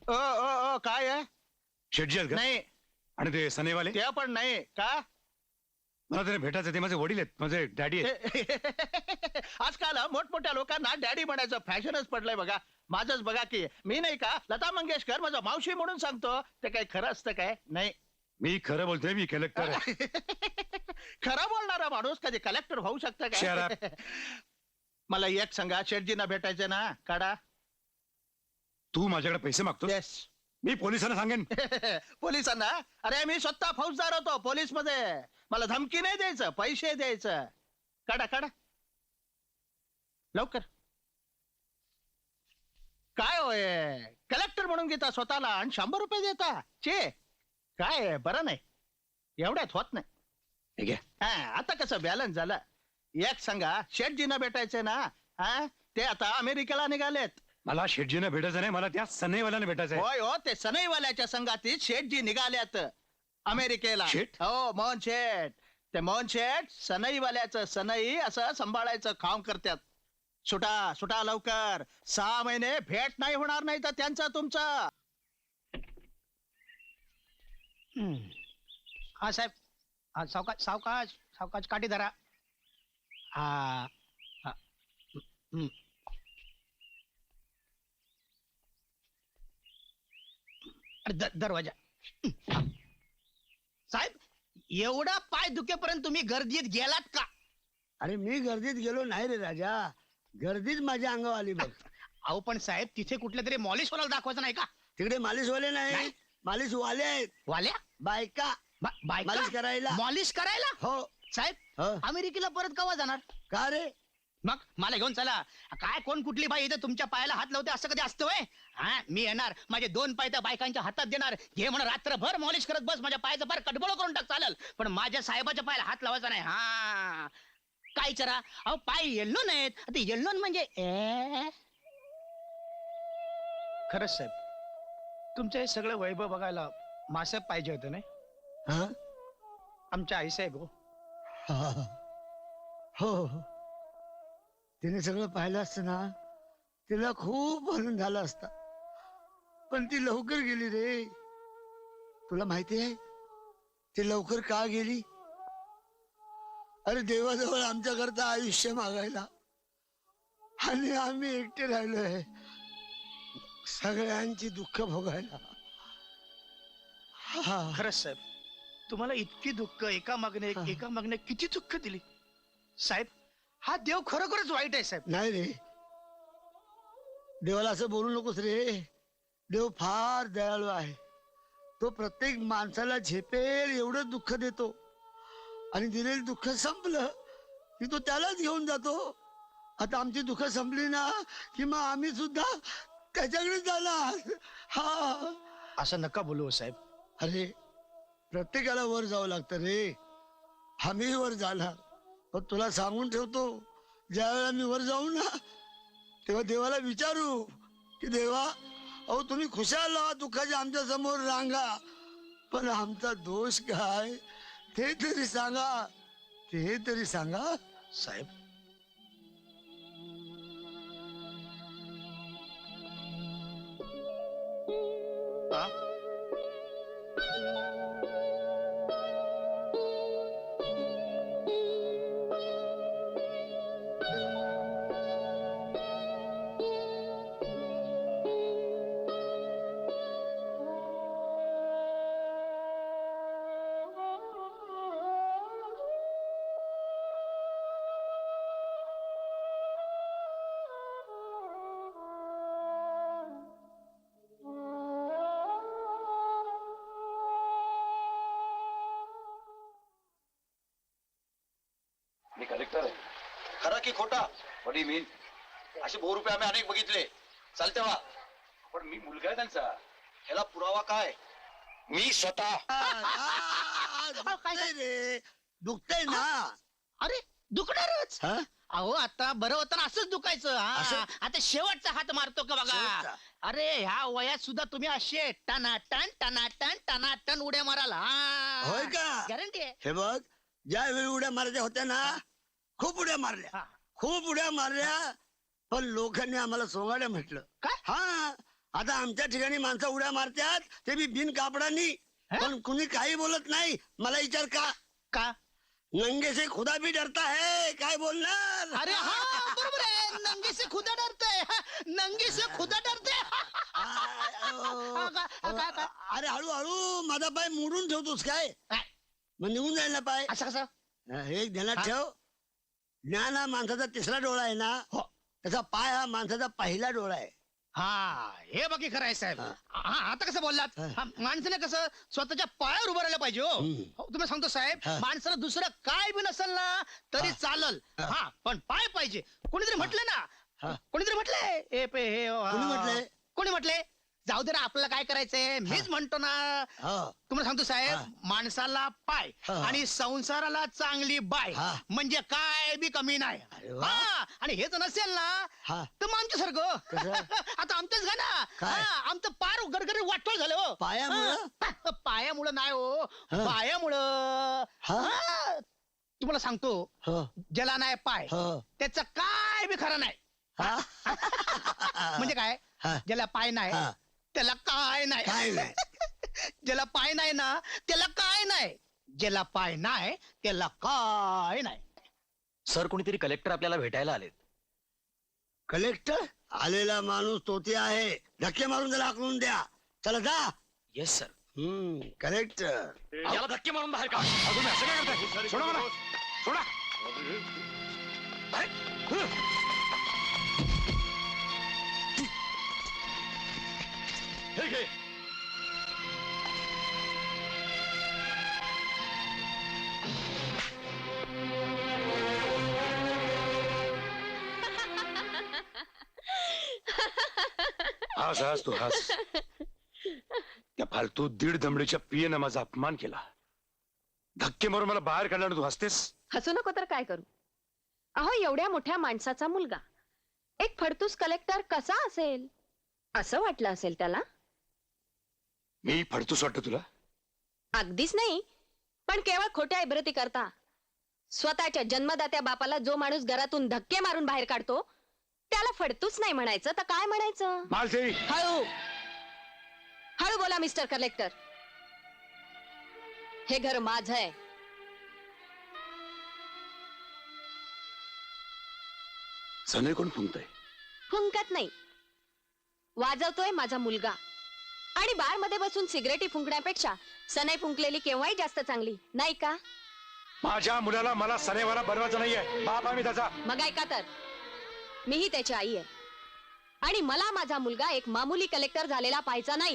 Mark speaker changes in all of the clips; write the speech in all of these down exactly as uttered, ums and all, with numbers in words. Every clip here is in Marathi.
Speaker 1: ओ ओ ओ काय आहे?
Speaker 2: शेटजी आहेत का?
Speaker 1: नाही
Speaker 2: आणि ते सनेवाले
Speaker 1: ते पण नाही का?
Speaker 2: मला त्याने भेटायचं, ते माझे वडील आहेत, माझे डॅडी आहेत.
Speaker 1: आजकाल मोठमोठ्या लोकांना डॅडी म्हणायचं फॅशनच पडलंय बघा. माझंच बघा की मी नाही का लता मंगेशकर माझा मावशी म्हणून सांगतो, ते काय खरं असतं काय? नाही.
Speaker 2: मी खरं बोलतोय, मी कलेक्टर आहे.
Speaker 1: खरा बोलणारा माणूस कधी कलेक्टर होऊ शकतं
Speaker 2: Shut
Speaker 1: का? मला एक सांगा, शेठजींना भेटायचं ना, काढा.
Speaker 2: तू माझ्याकडे पैसे मागतो?
Speaker 1: येस.
Speaker 2: मी पोलिसांना सांगेन.
Speaker 1: पोलिसांना? अरे मी स्वतः फौजदार होतो पोलीस मध्ये. मला धमकी नाही द्यायचं, पैसे द्यायचं. काढा काढा लवकर. काय होय, कलेक्टर म्हणून घेता स्वतःला आणि शंभर रुपये देता? चे काय बरं नाही, एवढ्यात होत नाही.
Speaker 2: हे घ्या.
Speaker 1: हा, आता कसं बॅलन्स झालं. एक सांगा, शेठजींना भेटायचंय ना? हा, ते आता अमेरिकेला निघालेत.
Speaker 2: मला शेटजीने भेटायचं नाही, मला त्या सनईवाल्याने भेटायचं आहे.
Speaker 1: होय हो, ते सनईवाल्याच्या संघातीत शेठजी निघाल्यात अमेरिकेला.
Speaker 2: शेठ?
Speaker 1: हो, मोहन शेठ. ते मोहन शेठ सनईवाल्याचं सनई असं सांभाळायचं काम करतात. सुटा सुटा लवकर, सहा महिने भेट नाही होणार नाही तर त्यांचा तुमचा.
Speaker 3: हा साहेब, हा सावकाश सावकाश सावकाश काठी धरा. हा हा. हम्म. अरे, द- दरवाजा. साहेब, एवढा पाय दुखेपर्यंत तुम्ही गर्दीत गेलात का?
Speaker 4: अरे मी गर्दीत गेलो नाही रे राजा, गर्दीच माझ्या अंगावर आली बघ.
Speaker 3: अहो पण साहेब, तिथे कुठल्या तरी मॉलिशवाला दाखवायचं नाही का?
Speaker 4: तिकडे मालिशवाले नाही, मालिश वाले आहेत.
Speaker 3: वाल्या
Speaker 4: बायका
Speaker 3: बा- बायका?
Speaker 4: मालिश करायला.
Speaker 3: मॉलिश करायला?
Speaker 4: हो.
Speaker 3: साहेब,
Speaker 4: हो.
Speaker 3: अमेरिकेला परत केव्हा जाणार?
Speaker 4: का रे?
Speaker 3: मग मला घेऊन चला. काय कोण कुठली बाई इथं तुमच्या पायाला हात लावते असं कधी असतं व्हय? हा, मी येणार, माझे दोन पाय त्या बायकांच्या हातात देणार, घे म्हणा रात्रभर मॉलिश करत बस, माझ्या पायाचं फार कडबोळ करून टाक चालेल, पण माझ्या साहेबाच्या पायाला हात लावायचा नाही. हा, काय चरा अहो, पाय येल्लो नाहीत. आता येल्लो म्हणजे ए? खरंच साहेब, तुमचं हे सगळं वैभव बघायला मासाहेब पाहिजे होतं नाही?
Speaker 4: हा?
Speaker 3: आमच्या आई साहेब हो.
Speaker 4: हा. हो हो. तिने सगळं पाहिलं असतं ना, तिला खूप आनंद झाला असता, पण ती लवकर गेली रे. तुला माहिती आहे ती लवकर का गेली? अरे देवाजवळ आमच्या करता आयुष्य मागायला, आणि आम्ही एकटे राहिलोय सगळ्यांची दुःख भोगायला. हा.
Speaker 3: खरंच साहेब, तुम्हाला इतकी दुःख एका मागणे एक, एका मागणे किती दुःख दिली साहेब. हा देव खरोखरच वाईट आहे साहेब.
Speaker 4: नाही रे, देवाला असं बोलू नकोस रे. देव फार दयाळू आहे. तो प्रत्येक माणसाला झेपेल एवढं दुःख देतो, आणि दिलेलं दुःख संपलं की तो त्यालाच घेऊन जातो. आता आमची दुःख संपली ना की मग आम्ही सुद्धा त्याच्याकडे जाणार. हा.
Speaker 3: असं नका बोलू हो साहेब.
Speaker 4: अरे प्रत्येकाला वर जावं लागतं रे. आम्ही वर जाणार, पण तुला सांगून ठेवतो, ज्या वेळेला मी वर जाऊ ना, तेव्हा देवाला विचारू की देवा, अहो तुम्ही खुशाल लावा दुःखाच्या आमच्या समोर रांगा, पण आमचा दोष काय ते तरी सांगा, ते तरी सांगा
Speaker 3: साहेब. हा?
Speaker 5: मी कलेक्टर आहे. खरं की खोटा? What do mean? असे बहु रुपये आम्ही अनेक बघितले, चालते वा, पण मी मुलगा आहे त्यांचा. ह्याला पुरावा काय? मी स्वतः.
Speaker 4: दुखतंय रे, दुखतंय ना.
Speaker 3: अरे दुखणारच.
Speaker 4: हा?
Speaker 3: अहो आता बरं होतं ना, असंच दुखायचं. हा,
Speaker 4: असं?
Speaker 3: आता शेवटचा हात मारतो का बघा.
Speaker 4: शेवटचा?
Speaker 3: अरे ह्या वयात सुद्धा तुम्ही असे टनाटन टनाटन टनाटन उड्या माराल.
Speaker 4: होय का?
Speaker 3: गॅरंटी आहे.
Speaker 4: हे बघ, ज्या वेळी उड्या मारायच्या होत्या ना, खूप उड्या मारल्या,
Speaker 3: हा.
Speaker 4: खूप उड्या मारल्या, पण लोकांनी आम्हाला सोंगाड्या म्हटलं.
Speaker 3: काय?
Speaker 4: हा, आता आमच्या ठिकाणी माणसं उड्या मारतात ते बी बिन कापडानी, पण कुणी काही बोलत नाही. मला विचार का
Speaker 3: का
Speaker 4: नंगे से खुदा भी डरता है, काय बोलणार?
Speaker 3: अरे हा बरोबर आहे, नंगी से खुदा डरते, नंगी से खुदा डरते.
Speaker 4: आ, अ,
Speaker 3: का- का- का-
Speaker 4: अरे हळूहळू माझा पाय मोडून ठेवतोस काय?
Speaker 3: काय?
Speaker 4: मग निघून जाईल ना पाय.
Speaker 3: असं कसं?
Speaker 4: हे ध्यानात
Speaker 3: हा?
Speaker 4: ठेव, ज्ञान हा माणसाचा तिसरा डोळा आहे ना,
Speaker 3: हो.
Speaker 4: त्याचा पाय हा माणसाचा पहिला डोळा आहे.
Speaker 3: हा हे बाकी खरं आहे साहेब.
Speaker 4: हा.
Speaker 3: हा आता कसं बोललात,
Speaker 4: हा.
Speaker 3: हा, माणसाने कसं स्वतःच्या पायावर उभं राहिलं पाहिजे. हो
Speaker 4: हम्म.
Speaker 3: हो, तुम्हाला सांगतो साहेब,
Speaker 4: हा.
Speaker 3: माणसाला दुसरं काय बी नसेल ना तरी
Speaker 4: हा.
Speaker 3: चालल,
Speaker 4: हा.
Speaker 3: हा पण पाय पाहिजे. कोणीतरी म्हटलं
Speaker 4: हा.
Speaker 3: ना, कोणीतरी म्हटलंय ए पे हे हा.
Speaker 4: कोणी म्हटलंय?
Speaker 3: कोणी म्हटले? जाऊ दे ना, आपल्याला काय करायचंय, मीच म्हणतो ना.
Speaker 4: हो.
Speaker 3: तुम्हाला सांगतो साहेब,
Speaker 4: हा.
Speaker 3: माणसाला पाय
Speaker 4: हा.
Speaker 3: आणि संसाराला चांगली बाय,
Speaker 4: हा.
Speaker 3: म्हणजे काय बी कमी नाही.
Speaker 4: अरे वा.
Speaker 3: हा, आणि हेच नसेल ना
Speaker 4: हा.
Speaker 3: तर मग आमच्यासारखं
Speaker 4: कसं?
Speaker 3: आता आमचंच घा ना.
Speaker 4: काय?
Speaker 3: हा, आमचं पार गरगरी वाटोळ झालं हो.
Speaker 4: पायामुळं?
Speaker 3: हा, पायामुळं नाही हो,
Speaker 4: हा.
Speaker 3: पायामुळं.
Speaker 4: हा?
Speaker 3: हा, तुम्हाला सांगतो,
Speaker 4: हो.
Speaker 3: ज्याला नाही पाय
Speaker 4: हो.
Speaker 3: त्याचं काय बी खरं नाही.
Speaker 4: हा?
Speaker 3: म्हणजे काय?
Speaker 4: हा.
Speaker 3: ज्याला पाय नाही
Speaker 4: हा.
Speaker 3: त्याला काय नाही.
Speaker 4: काय नाही.
Speaker 3: ज्याला पाय नाही ना त्याला काय नाही, ज्याला पाय नाही त्याला काय नाही.
Speaker 5: सर कोणीतरी कलेक्टर आपल्याला भेटायला आलेत.
Speaker 4: कलेक्टर आलेला माणूस तोते आहे, धक्के मारून त्याला हाकलून द्या. चला जा.
Speaker 5: Yes sir.
Speaker 4: हम्म कलेक्टर.
Speaker 5: याला धक्के मारून बाहेर काढ.
Speaker 2: अहो, तुम्ही असं काय करताय? सोडा मला, सोडा. हे घे. हास हास तू हास. त्या फालतू दीड दमडीच्या पियेनं माझा अपमान केला. धक्के मारून मला बाहेर काढल्यानं तू हसतेस.
Speaker 6: हसू नको तर काय करू. अहो एवढ्या मोठ्या माणसाचा मुलगा एक फडतूस कलेक्टर कसा असेल असं वाटलं असेल त्याला.
Speaker 2: मी फडतूस वाटतो तुला?
Speaker 6: अगदीच नाही, पण केवळ खोट्या इब्रती करता स्वतःच्या जन्मदात्या बापाला जो माणूस घरातून धक्के मारून बाहेर काढतो त्याला फडतूस नाही म्हणायचं तर काय म्हणायचं.
Speaker 2: मालसेवी.
Speaker 6: हळू हळू बोला मिस्टर कलेक्टर. हे घर माझं आहे.
Speaker 2: सनई कोण फुंकतय?
Speaker 6: फुंकत नाही, वाजवतोय माझा मुलगा. आणि बार मध्ये बसून सिगरेटी फुंकण्यापेक्षा सनई फुंकलेली केव्हाही जास्त चांगली नाही का.
Speaker 2: माझ्या मुलाला मला सनेवाला बनवायचं नाहीये. बाप आम्ही त्याचा.
Speaker 6: मग ऐका तर, मीही त्याची आई आहे आणि मला माझा मुलगा एक मामूली कलेक्टर झालेला पाहायचा नाही.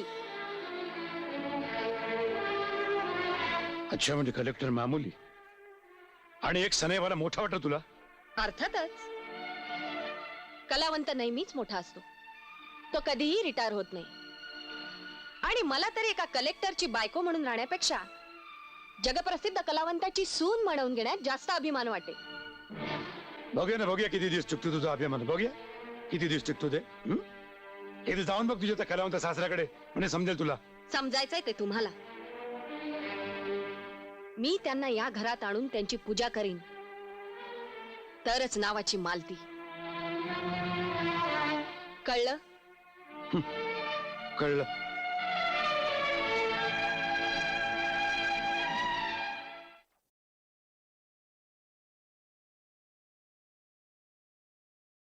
Speaker 2: अच्छा, म्हणजे कलेक्टर मामूली आणि एक सनेवाला मोठा वाटत तुला?
Speaker 6: अर्थातच कलावंत नेहमीच मोठा असतो, तो कधीही रिटायर होत नाही. आणि मला तरी एका कलेक्टरची बायको म्हणून राहण्यापेक्षा जगप्रसिद्ध कलावंताची सून म्हणून घेण्यात जास्त अभिमान वाटेल.
Speaker 2: बघूया ना, बघूया किती दिवस टिकतो तुझा अभिमान. बघूया किती दिवस टिकतो ते. हं? एकदा जाऊन बघ तुझ्या त्या कलावंत सासऱ्याकडे, म्हणजे समजेल तुला.
Speaker 6: समजायचंय ते तुम्हाला. मी त्यांना या घरात आणून त्यांची पूजा करीन, तरच नावाची मालती. कळलं?
Speaker 2: कळलं.